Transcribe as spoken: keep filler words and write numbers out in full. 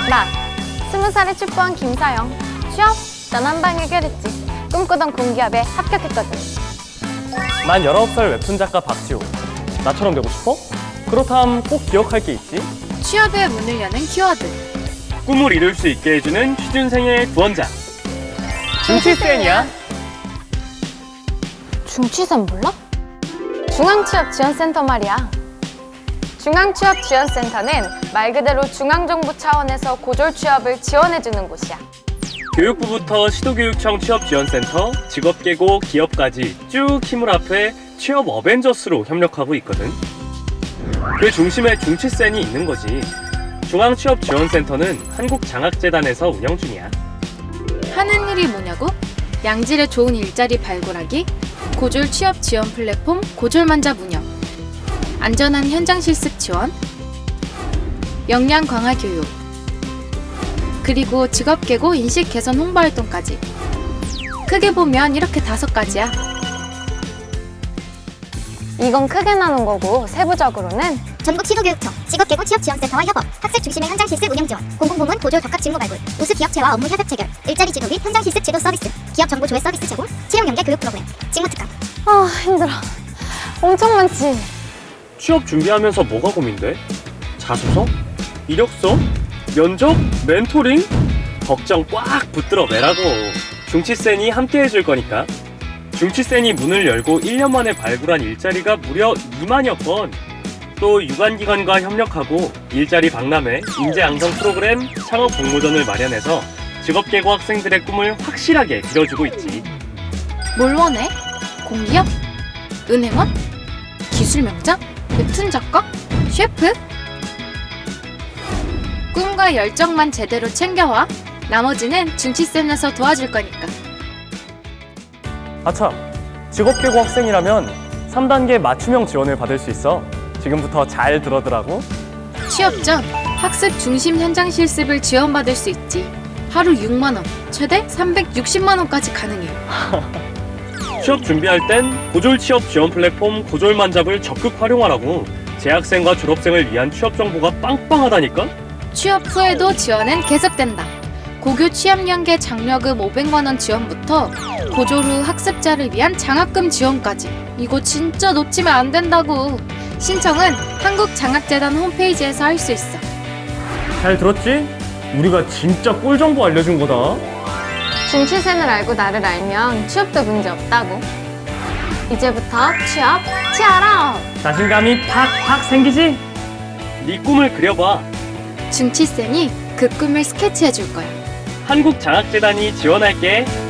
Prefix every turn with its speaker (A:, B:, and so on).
A: 나 스무 살에 축구한 김사영. 취업 난 한 방 해결했지. 꿈꾸던 공기업에 합격했거든.
B: 난 열아홉 살 웹툰 작가 박지호. 나처럼 되고 싶어? 그렇다면 꼭 기억할 게 있지.
C: 취업의 문을 여는 키워드.
B: 꿈을 이룰 수 있게 해주는 취준생의 구원자. 중취센이야.
A: 중취센 몰라? 중앙취업지원센터 말이야. 중앙취업지원센터는 말 그대로 중앙정부 차원에서 고졸 취업을 지원해주는 곳이야.
B: 교육부부터 시도교육청 취업지원센터, 직업계고, 기업까지 쭉 힘을 합해 취업 어벤져스로 협력하고 있거든. 그 중심에 중취센이 있는 거지. 중앙취업지원센터는 한국장학재단에서 운영 중이야.
C: 하는 일이 뭐냐고? 양질의 좋은 일자리 발굴하기, 고졸 취업 지원 플랫폼 고졸만잡 운영, 안전한 현장 실습 지원, 역량 강화 교육, 그리고 직업계고 인식 개선 홍보 활동까지. 크게 보면 이렇게 다섯 가지야.
A: 이건 크게 나눈 거고 세부적으로는
D: 전국 시도교육청, 직업계고 취업지원센터와 협업, 학습 중심의 현장 실습 운영 지원, 공공부문 고졸 적합 직무 발굴, 우수 기업체와 업무 협약 체결, 일자리 지도 및 현장 실습 제도 서비스, 기업 정보 조회 서비스 제공, 채용 연계 교육 프로그램, 직무 특강.
A: 아 힘들어. 엄청 많지.
B: 취업 준비하면서 뭐가 고민돼? 자소서? 이력서? 면접? 멘토링? 걱정 꽉 붙들어 매라고. 중취센이 함께 해줄 거니까. 중취센이 문을 열고 일 년 만에 발굴한 일자리가 무려 이만여 건. 또 유관기관과 협력하고 일자리 박람회, 인재 양성 프로그램, 창업 공모전을 마련해서 직업계고 학생들의 꿈을 확실하게 이뤄주고 있지.
C: 뭘 원해? 공기업? 은행원? 기술명장? 웹툰 작가? 셰프? 꿈과 열정만 제대로 챙겨와. 나머지는 중취센에서 도와줄 거니까.
B: 아참, 직업계고 학생이라면 삼 단계 맞춤형 지원을 받을 수 있어. 지금부터 잘 들어두라고.
C: 취업 전 학습 중심 현장 실습을 지원받을 수 있지. 하루 육만 원, 최대 삼백육십만 원까지 가능해.
B: 취업 준비할 땐 고졸 취업 지원 플랫폼 고졸만잡을 적극 활용하라고. 재학생과 졸업생을 위한 취업 정보가 빵빵하다니까?
C: 취업 후에도 지원은 계속된다. 고교 취업연계 장려금 오백만 원 지원부터 고졸 후 학습자를 위한 장학금 지원까지. 이거 진짜 놓치면 안 된다고. 신청은 한국장학재단 홈페이지에서 할 수 있어.
B: 잘 들었지? 우리가 진짜 꿀 정보 알려준 거다.
A: 중취센을 알고 나를 알면 취업도 문제 없다고. 이제부터 취업 치아라.
B: 자신감이 팍팍 생기지? 네 꿈을 그려봐.
C: 중취센이 그 꿈을 스케치해 줄 거야.
B: 한국장학재단이 지원할게.